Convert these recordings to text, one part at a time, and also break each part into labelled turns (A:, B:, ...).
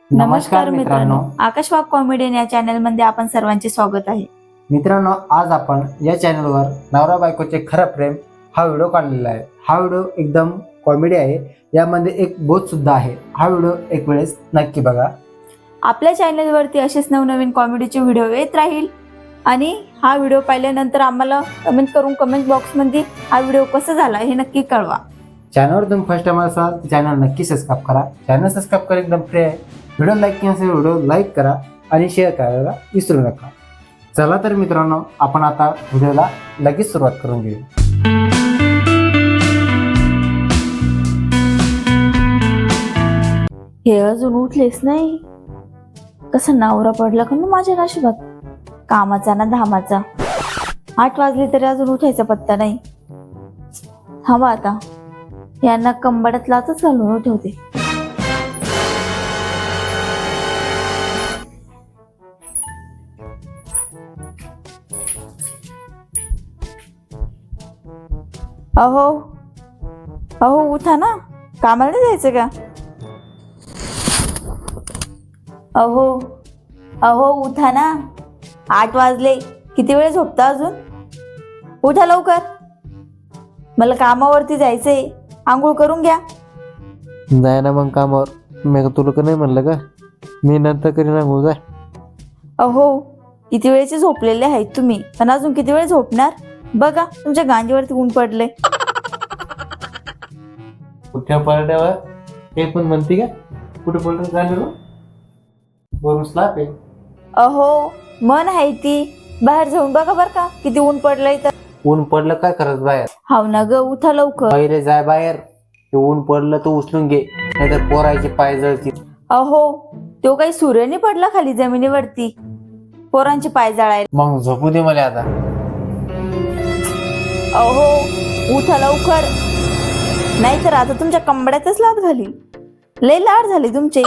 A: नमस्कार मित्रांनो, आकाश वाघ कॉमेडियन या चॅनल मध्ये आपण सर्वांचे स्वागत आहे.
B: मित्रांनो, आज आपण या चॅनलवर नवरा बायकोचे खरं प्रेम हा व्हिडिओ काढलेला आहे. हा व्हिडिओ एकदम कॉमेडी आहे. यामध्ये एक बोध सुद्धा आहे. हा व्हिडिओ एक वेळेस नक्की बघा.
A: आपल्या चॅनलवरती असेच नवनवीन कॉमेडीचे व्हिडिओ येत राहील आणि हा व्हिडिओ पाहिल्यानंतर आम्हाला कमेंट बॉक्स मध्ये हा व्हिडिओ कसा झाला हे नक्की कळवा.
B: चॅनलवर तुम्ही फर्स्ट टाइम असाल तर चॅनल नक्की सबस्क्राईब करा. चॅनल सबस्क्राईब करा, एकदम फ्री आहे. व्हिडिओ लाईक केला असेल व्हिडिओ लाईक करा आणि शेअर करायला विसरू नका. चला तर मित्रांनो, आपण आता व्हिडिओला लगेच सुरुवात करून घेऊ.
A: हे अजून उठलेच नाही. कसा नवरा पडला का माझ्या नशिबात, कामाचा ना धामाचा. 8 वाजले तरी अजून उठायचा पत्ता नाही. थांबा आता, यांना कंबड्यात लाचच घालून ठेवते. अहो अहो उठा ना, कामाला नाही जायचं का? अहो अहो उठा ना, 8 वाजले. किती वेळ झोपता अजून? उठा लवकर, मला कामावरती जायचंय. आंघोळ करून घ्या.
C: जाय ना मग कामावर. मी तुला का नाही म्हणलं का, मी नंतर करीन आंघोळ. जाय.
A: अहो किती वेळेचे झोपलेले आहेत तुम्ही, पण अजून किती वेळ झोपणार? बघा तुमच्या गांजीवरती ऊन पडले.
C: कुठल्या पडल्यावर हे पण म्हणते का, कुठे पडलं झालं वरून स्लाप आहे.
A: अहो मन आहे ती, बाहेर जाऊन बघा बर का किती ऊन पडलंय. तर
C: ऊन पडलं काय करत बाहेर?
A: हाव ना ग, उठा लवकर.
C: पहिले जाय बाहेर. ते ऊन पडलं तर उचलून घे, नाहीतर पोरायचे पाय जळतील.
A: अहो तो काही सूर्य नाही पडला खाली जमिनीवरती पोरांचे पाय जळायला.
C: मग झोपू दे मला आता.
A: अहो उठा लवकर, नाहीतर आता तुमच्या कंबड्यातच लात घालील. लय लाड झाले तुमचे.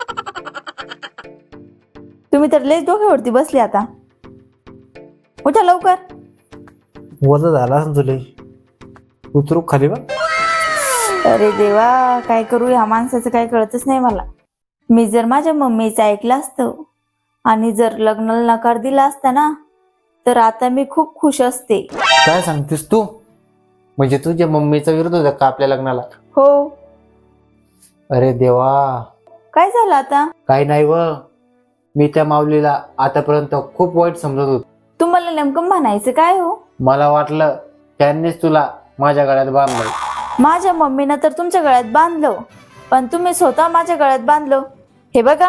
A: तुम्ही तर लय डोक्यावरती बसले. आता उठा लवकर.
C: वजा झाला असं तुला, उतरू खाली बा.
A: अरे देवा, काय करू या माणसाचं काय कळतच नाही मला. मी जर माझ्या मम्मीचं ऐकलं असतं आणि जर लग्नाला नकार दिला असता ना, तर आता मी खूप खुश असते.
C: काय सांगतेस तू? म्हणजे तुझ्या मम्मीचा विरोध होता का आपल्या लग्नाला?
A: हो.
C: अरे देवा.
A: काय झालं आता?
C: काही नाही व, मी त्या माऊलीला आतापर्यंत खूप वाईट समजत होतो.
A: तुम्हाला नेमकं म्हणायचं काय हो?
C: मला वाटलं त्यांनीच तुला माझ्या गळ्यात बांधलं.
A: माझ्या मम्मीनं तर तुमच्या गळ्यात बांधलं, पण तुम्ही स्वतः माझ्या गळ्यात बांधलं. हे बघा.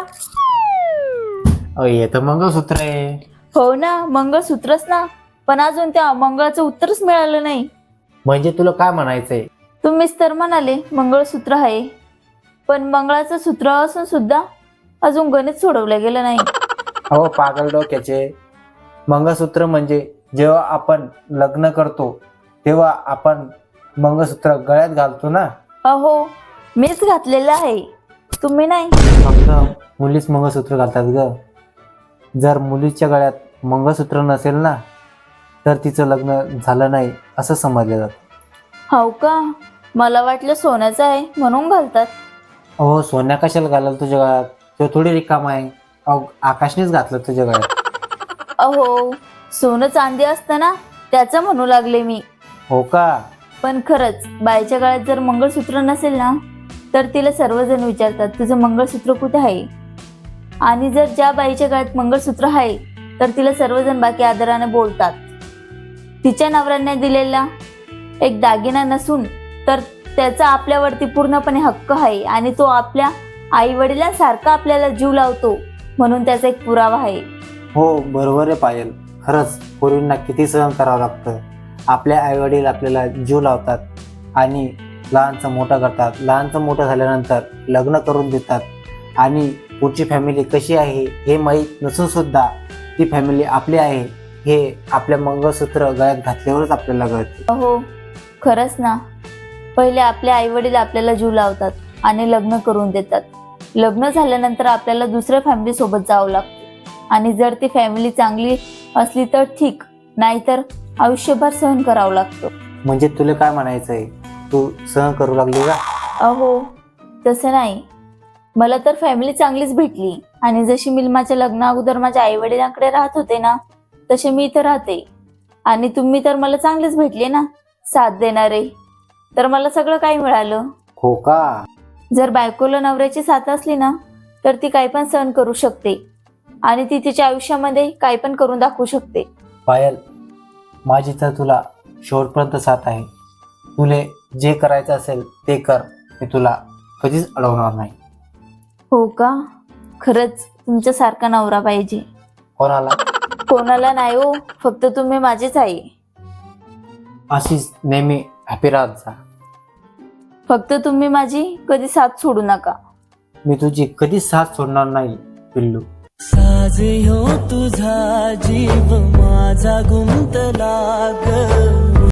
C: हे तर मंगळसूत्र आहे.
A: हो ना, मंगळसूत्रच ना, पण अजून त्या मंगळाचं उत्तरच मिळालं नाही.
C: म्हणजे तुला काय म्हणायचंय?
A: तुम्हीच तर म्हणाले मंगळसूत्र आहे, पण मंगळाचं सूत्र असून सुद्धा अजून गणित सोडवलं गेलं नाही.
C: अहो पागल डोक्याचे, मंगळसूत्र म्हणजे जेव्हा आपण लग्न करतो तेव्हा आपण मंगळसूत्र गळ्यात घालतो ना.
A: अहो मीच घातलेलं आहे, तुम्ही नाही.
C: फक्त मुलीच मंगळसूत्र घालतात ग. जर मुलीच्या गळ्यात मंगळसूत्र नसेल ना, तर तिचं लग्न झालं नाही असं समजलं जातं.
A: हो का? मला वाटलं सोन्याचं आहे म्हणून घालतात.
C: अहो सोन्या कशाला घालाल तुझ्या गळ्यात? तो थोडी रिकामा आहे. अहो आकाशनेच घातलं तुझ्या गळ्यात.
A: अहो सोनं चांदी असतं ना, त्याचं म्हणू लागले मी.
C: हो का?
A: पण खरंच बाईच्या गळ्यात जर मंगळसूत्र नसेल ना, तर तिला सर्वजण विचारतात तुझं मंगळसूत्र कुठे आहे. आणि जर ज्या बाईच्या गळ्यात मंगळसूत्र आहे तर तिला सर्वजण बाकी आदराने बोलतात. तिच्या नवऱ्याने दिलेला एक दागिना नसून तर त्याचा आपल्यावरती पूर्णपणे हक्क आहे आणि तो आपल्या आई वडिलांसारखा आपल्याला जीव लावतो, म्हणून त्याचा एक पुरावा आहे.
C: हो बरोबर आहे पायल. खरंच पूर्वींना किती सहन करावं लागतं. आपल्या आईवडील आपल्याला जीव लावतात आणि लहानचं मोठं करतात. लहानचं मोठं झाल्यानंतर लग्न करून देतात आणि पुढची फॅमिली कशी आहे हे माहीत नसून सुद्धा ती फॅमिली आपली आहे हे आपल्या मंगळसूत्र गळ्यात घातल्यावरच आपल्याला कळते.
A: हो खरंच ना. पहिले आपले आई वडील आपल्याला जीव लावतात आणि लग्न करून देतात. लग्न झाल्यानंतर आपल्याला दुसऱ्या फॅमिली सोबत जावं लागतं आणि जर ती फॅमिली चांगली असली तर ठीक, नाहीतर आयुष्यभर सहन करावं लागतं.
C: म्हणजे तुला काय म्हणायचंय, तू सहन करू लागली का?
A: अहो तसं नाही, मला तर फॅमिली चांगलीच भेटली आणि जशी मी माझ्या लग्ना अगोदर माझ्या आई वडिलांकडे राहत होते ना, तसे मी इथं राहते. आणि तुम्ही तर मला चांगलेच भेटले ना, साथ देणारे. तर मला सगळं काही मिळालं.
C: हो का?
A: जर बायकोला नवऱ्याची साथ असली ना, तर ती काही पण सहन करू शकते आणि ती तिच्या आयुष्यामध्ये काही पण करून दाखवू शकते.
C: पायल, माझी तर तुला शेवटपर्यंत साथ आहे. तुले जे करायचं असेल ते कर, मी तुला कधीच अडवणार नाही.
A: हो का? खरंच तुमच्यासारखा नवरा पाहिजे.
C: कोणाला?
A: कोणाला नाही हो, फक्त तुम्ही माझेच आहे.
C: अशीच नेहमी हॅपी राहत जा.
A: फक्त तुम्ही माझी कधी साथ सोडू नका.
C: मी तुझी कधीच साथ सोडणार नाही पिल्लू.
D: साज ह्यो तुझा जीव माझा गुंतला ग.